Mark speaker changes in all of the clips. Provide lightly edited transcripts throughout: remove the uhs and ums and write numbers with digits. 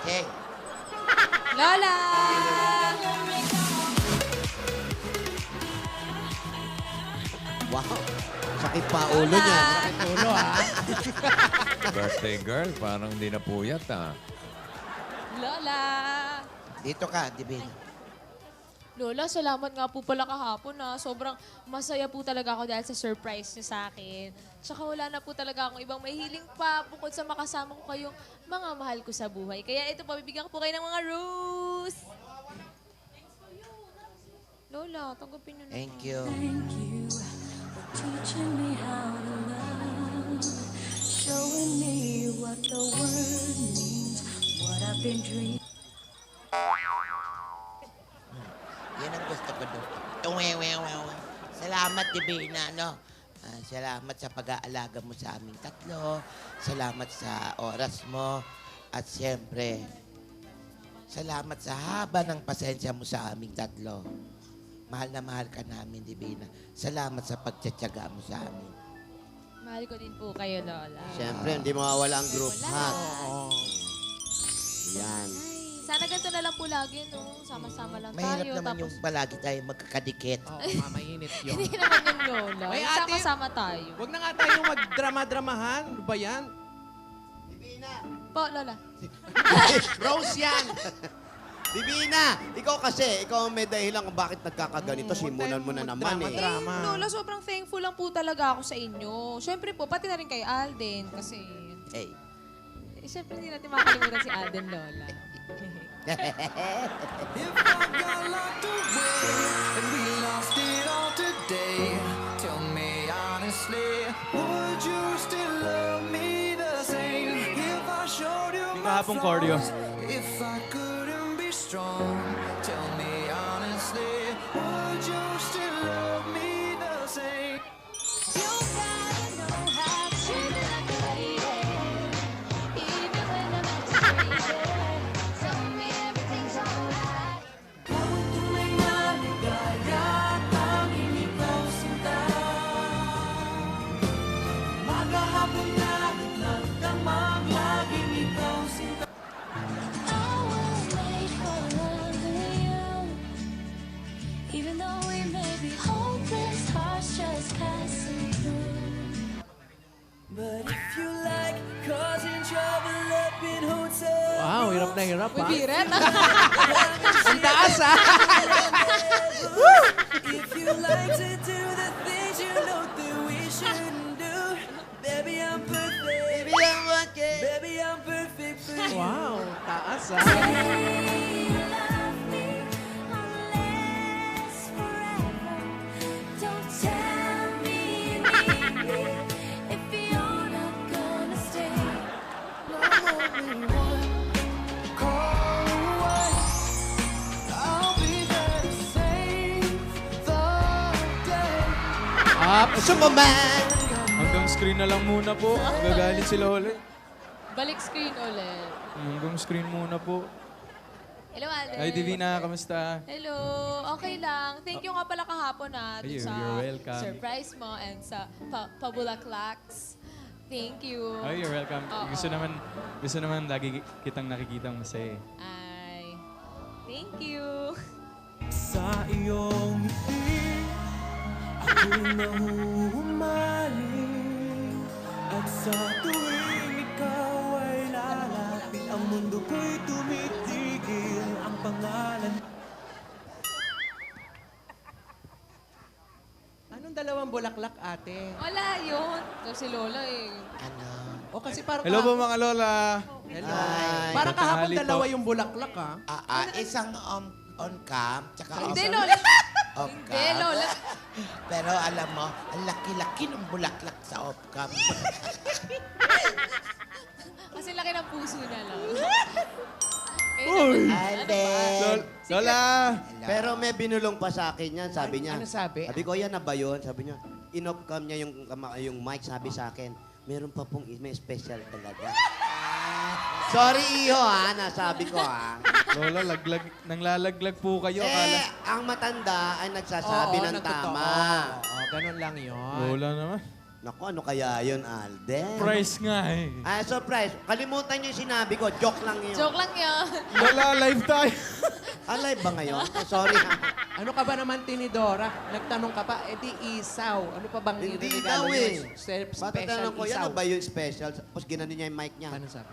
Speaker 1: Okay.
Speaker 2: Lola!
Speaker 1: Wow. Sakit pa ulo niya.
Speaker 3: Ulo, ha?
Speaker 4: Birthday girl, parang hindi na puyat, ah.
Speaker 2: Lola!
Speaker 1: Dito ka, Divin.
Speaker 2: Lola, salamat nga po pala kahapon na sobrang masaya po talaga ako dahil sa surprise niyo sa akin. Tsaka wala na po talaga akong ibang mahihiling pa bukod sa makasama ko kayong mga mahal ko sa buhay. Kaya ito po, bibigyan ko po kayo ng mga rose. Lola, tanggapin niyo na.
Speaker 1: Thank you.
Speaker 5: Thank you for teaching me how to love, showing me what the word means, what I've been dreaming.
Speaker 1: Yan ang gusto ko doon. Salamat, Divina, no? Salamat sa pag-aalaga mo sa aming tatlo. Salamat sa oras mo. At siyempre, salamat sa haba ng pasensya mo sa aming tatlo. Mahal na mahal ka namin, Divina. Salamat sa pagtsatsaga mo sa amin.
Speaker 2: Mahal ko din po kayo, Lola.
Speaker 6: Siyempre, hindi mawawala ang group
Speaker 2: Wala.
Speaker 6: hug.
Speaker 3: Oo.
Speaker 6: Yan.
Speaker 2: Ay, sana ganito na lang po lagi, no? Sama-sama lang
Speaker 1: Mahirap
Speaker 2: tayo.
Speaker 1: naman yung palagi tayo magkakadikit.
Speaker 3: Oo, mamainit yun.
Speaker 2: Hindi naman yung Lola.
Speaker 3: May
Speaker 2: Yung
Speaker 3: ate-
Speaker 2: Sama-sama tayo.
Speaker 3: Huwag na nga tayong magdrama-dramahan. Ano ba yan?
Speaker 2: Po, Lola.
Speaker 3: Rose yan!
Speaker 6: Divina, ikaw kasi, ikaw ang may dahilan kung bakit nagkakaganito. Simulan mo na naman eh.
Speaker 3: Drama.
Speaker 2: Lola, sobrang thankful lang po talaga ako sa inyo. Siyempre po, pati na rin kay Alden. Kasi,
Speaker 1: Hey.
Speaker 2: siyempre hindi natin makakalimutan si Alden, Lola.
Speaker 7: If I got locked away and we lost it all today, tell me honestly, would you still love me the same? If I showed you my flaws, if I couldn't be strong, tell me honestly, would you still love me the same?
Speaker 5: You gotta know how to treat me like a lady, even when I'm acting crazy. Tell me everything's alright.
Speaker 7: Bawat tunay na ligaya, tanging ikaw sinta. Maghahapon na nagdamang, laging ikaw sinta.
Speaker 5: I will wait for love in you, even though we may be hopeless, hearts just passing through.
Speaker 7: But if you like causing trouble up in hotels,
Speaker 3: Wow, hirap na hirap,
Speaker 2: Uy,
Speaker 3: ha?
Speaker 2: Biret.
Speaker 3: Ang taas, ha?
Speaker 7: if you like to do the things you know that we shouldn't do, baby, I'm perfect. Baby, I'm perfect for you.
Speaker 3: Wow, taas, ha?
Speaker 5: Say you love me unless forever. Don't tell me you need me if you're not gonna stay.
Speaker 7: Only one call away, I'll be there to save the day.
Speaker 3: Up.
Speaker 1: Sumaman!
Speaker 8: Hanggang screen na lang muna po. Gagalit si Lola.
Speaker 2: Balik screen ulit.
Speaker 8: Hanggang screen muna po.
Speaker 2: Hello, Alden.
Speaker 8: Hi, Divina. Kamusta?
Speaker 2: Hello. Okay lang. Thank you nga pala kahapon dun
Speaker 8: Ay,
Speaker 2: sa
Speaker 8: you're welcome.
Speaker 2: surprise mo and sa pabulaklaks. Thank you.
Speaker 8: Ay, you're welcome.
Speaker 2: Oo.
Speaker 8: Gusto naman lagi kitang nakikitang masaya.
Speaker 2: Ay. Thank you.
Speaker 7: Sa iyong ngiti, ako'y nahuhumaling. At sa tuwing ikaw ay lalapit, ang mundo ko'y tumitigil. Ang pangalan
Speaker 3: Anong dalawang bulaklak, ate?
Speaker 2: Wala yun. Ito si Lola eh.
Speaker 1: Ano?
Speaker 3: O kasi parang
Speaker 8: Hello po mga Lola.
Speaker 3: Hello.
Speaker 1: Ay.
Speaker 3: Parang kahapon
Speaker 8: Tanghali po.
Speaker 3: dalawa yung bulaklak, ha?
Speaker 1: Isang on cam, tsaka
Speaker 2: Hindi,
Speaker 1: off-
Speaker 2: Lola.
Speaker 1: off
Speaker 2: Hindi,
Speaker 1: cam.
Speaker 2: Lola.
Speaker 1: Pero alam mo, ang laki-laki ng bulaklak sa off cam.
Speaker 2: Kasi laki ng puso na lang.
Speaker 8: Uy!
Speaker 1: Alden!
Speaker 8: Lola!
Speaker 6: Pero may binulong pa sa akin yan, sabi niya.
Speaker 3: Ano sabi?
Speaker 6: Sabi ko, yan na ba yun? Sabi niya, in-off cam niya yung mic, sabi sa akin, meron pa pong, may special talaga. Sorry, iho, ha, nasabi ko, ha.
Speaker 8: Lola, nanglalaglag po kayo. Akala.
Speaker 6: Ang matanda ay nagsasabi ng
Speaker 3: nagtotoo.
Speaker 6: tama.
Speaker 3: Oo, ganun lang yun.
Speaker 8: Lola naman.
Speaker 6: Naku, ano kaya yun, Alden?
Speaker 8: Price nga eh.
Speaker 6: Ah, surprise. Kalimutan niyo yung sinabi ko. Joke lang yun.
Speaker 2: Joke lang yun.
Speaker 8: Lola, live tayo.
Speaker 6: Alive ba ngayon? Sorry ha.
Speaker 3: Ano ka ba naman, Tinidora? Nagtanong ka pa, di isaw. Ano pa bang
Speaker 6: Hindi
Speaker 3: iregalo
Speaker 6: daw
Speaker 3: niyo?
Speaker 6: eh.
Speaker 3: Special
Speaker 6: Patatanong ko, yan
Speaker 3: isaw.
Speaker 6: ano ba yung special? Tapos ginanon niya yung mic niya.
Speaker 3: Ano sabi?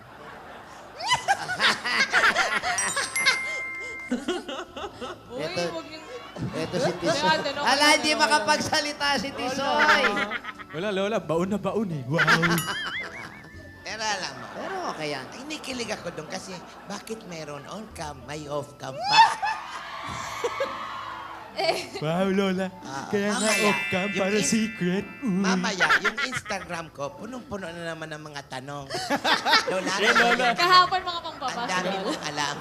Speaker 2: Uy,
Speaker 6: Eto.
Speaker 2: huwag niyong...
Speaker 6: Ito si Tisoy.
Speaker 2: Kaya ganun,
Speaker 6: Ala,
Speaker 2: kaya
Speaker 6: hindi
Speaker 2: ganun,
Speaker 6: makapagsalita si Tisoy.
Speaker 8: Wala, Lola. Baon na baon eh. Wow.
Speaker 1: Pero alam mo,
Speaker 6: Pero okay yan.
Speaker 1: kinikilig ako doon kasi bakit meron on-cam, may off-cam pa?
Speaker 8: Wow, Lola. Kaya nga
Speaker 1: mamaya,
Speaker 8: off-cam
Speaker 1: yung
Speaker 8: para
Speaker 1: in-
Speaker 8: secret.
Speaker 1: Mamaya, yung Instagram ko, punong-puno na naman ng mga tanong. Lola,
Speaker 8: Lola.
Speaker 2: Kahapon mga
Speaker 1: ang
Speaker 2: pangpapasok.
Speaker 1: dami mong alam.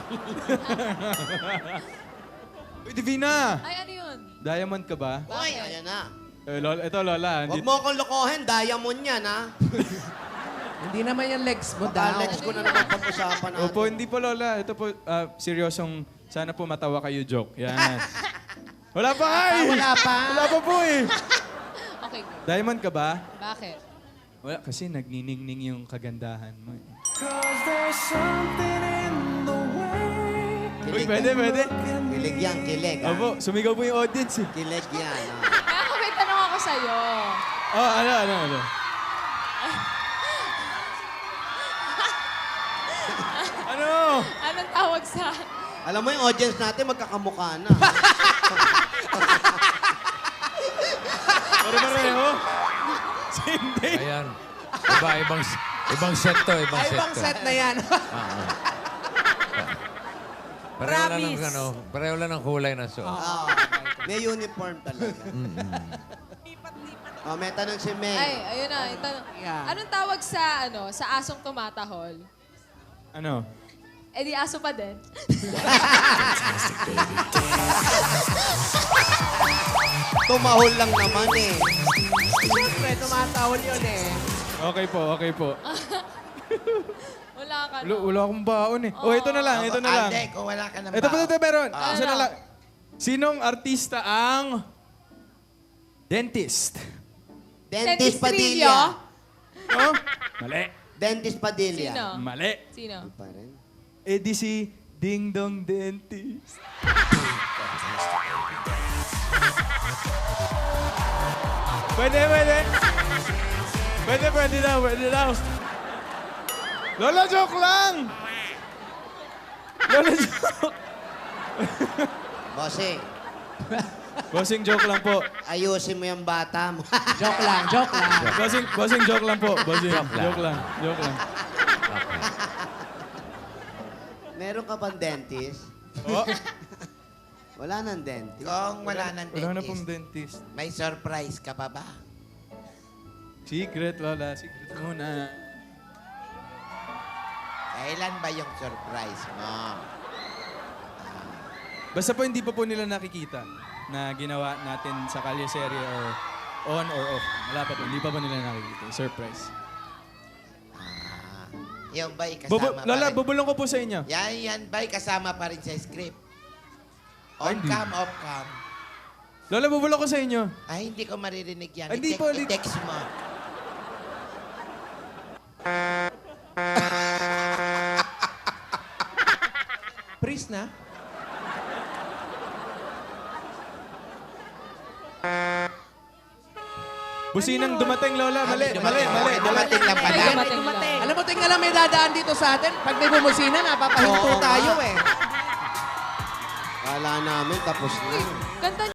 Speaker 8: Uy, Divina!
Speaker 2: Ay, ano yun?
Speaker 8: Diamond ka ba?
Speaker 6: Uy, ayan na.
Speaker 8: Lola, ito, Lola.
Speaker 6: Huwag mo akong lokohin. Diamond yan, ha?
Speaker 3: Hindi naman yung legs mo
Speaker 6: Baka
Speaker 3: daw.
Speaker 6: next ko na naman pag-usapan natin.
Speaker 8: Opo, hindi po, Lola. Ito po, seryosong, sana po matawa kayo joke. Yan. Wala pa nga eh.
Speaker 3: Wala pa.
Speaker 8: Wala pa po eh.
Speaker 2: Okay, good.
Speaker 8: Diamond ka ba?
Speaker 2: Bakit?
Speaker 8: Wala, kasi nagniningning yung kagandahan mo eh.
Speaker 7: 'Cause there's something in the way.
Speaker 8: Uy, pwede, pwede.
Speaker 6: Kilig yan, kilig, ha?
Speaker 8: Opo, sumigaw po yung audience eh.
Speaker 6: Kilig yan, ha?
Speaker 2: Ako may tanong ako sa'yo.
Speaker 8: Oh, ano? Ano?
Speaker 2: Anong tawag sa...
Speaker 6: Alam mo yung audience natin, magkakamukha na.
Speaker 8: Pare-pareho? Hindi.
Speaker 4: Ayan. Ibang set to, ibang
Speaker 3: Ay,
Speaker 4: set
Speaker 3: ibang
Speaker 4: to.
Speaker 3: set na yan.
Speaker 4: Pareho lang ng,
Speaker 3: Promise.
Speaker 4: pareho lang ng kulay na suot.
Speaker 6: Oo. May uniform talaga. Oh, may tanong si Meg.
Speaker 2: Ay, ayun na. Yung tanong.
Speaker 3: Yeah.
Speaker 2: Anong tawag sa, sa asong tumatahol?
Speaker 8: Ano?
Speaker 2: Eh di aso pa din.
Speaker 6: Tumahol lang naman eh.
Speaker 3: Siyempre, tumatawal yun eh.
Speaker 8: Okay po, okay po.
Speaker 2: Wala ka,
Speaker 8: Wala akong baon eh. Oh, ito na lang, ito na lang.
Speaker 1: Alde, kung wala ka ng
Speaker 8: Ito pa, ito, meron. Isa na
Speaker 2: Ano?
Speaker 8: lang. Sinong artista ang dentist?
Speaker 6: Dentist
Speaker 2: Dentistrillo?
Speaker 6: Padilla.
Speaker 8: Oh? Mali.
Speaker 6: Dentist Padilla.
Speaker 2: Sino?
Speaker 8: Mali.
Speaker 2: Sino?
Speaker 6: Pa rin.
Speaker 8: Eh di si Ding Dong Dentist. Pwede. Pwede daw. Lola, joke lang! Lola, joke.
Speaker 6: Bossing,
Speaker 8: Bossing, joke lang po.
Speaker 6: ayusin mo yung bata mo.
Speaker 3: Joke lang, joke lang.
Speaker 8: Bossing, joke lang po. Bossing, joke lang.
Speaker 6: Meron ka bang dentist?
Speaker 8: Oh,
Speaker 6: Wala nang dentist.
Speaker 1: Kung wala ng
Speaker 8: wala na
Speaker 1: dentist,
Speaker 8: pong dentist.
Speaker 1: may surprise ka pa ba?
Speaker 8: Secret, Lola. Secret muna.
Speaker 1: Kailan ba yung surprise mo?
Speaker 8: Basta po hindi pa po nila nakikita na ginawa natin sa Kalye Serie or on or off. Wala pa po. Hindi pa po nila nakikita. Surprise.
Speaker 1: Yung ba'y kasama
Speaker 8: Lola,
Speaker 1: pa rin?
Speaker 8: bubulong ko po sa inyo.
Speaker 1: Yan ba'y kasama pa rin sa script?
Speaker 8: Ay, hindi.
Speaker 1: On-cam, off-cam.
Speaker 8: Lola, bubulong ko sa inyo.
Speaker 1: Ay, hindi ko maririnig yan.
Speaker 8: Ay, hindi po, hindi-
Speaker 1: I-text mo.
Speaker 3: Priest na?
Speaker 8: Businang dumating, Lola. Mali.
Speaker 1: Dumating lang pala.
Speaker 2: Dumating lang.
Speaker 3: Alam mo, tingnan lang may dadaan dito sa atin. Pag may bumusina, napapahinto
Speaker 6: Oo nga.
Speaker 3: tayo eh.
Speaker 6: Kala namin tapos na.
Speaker 2: Ganda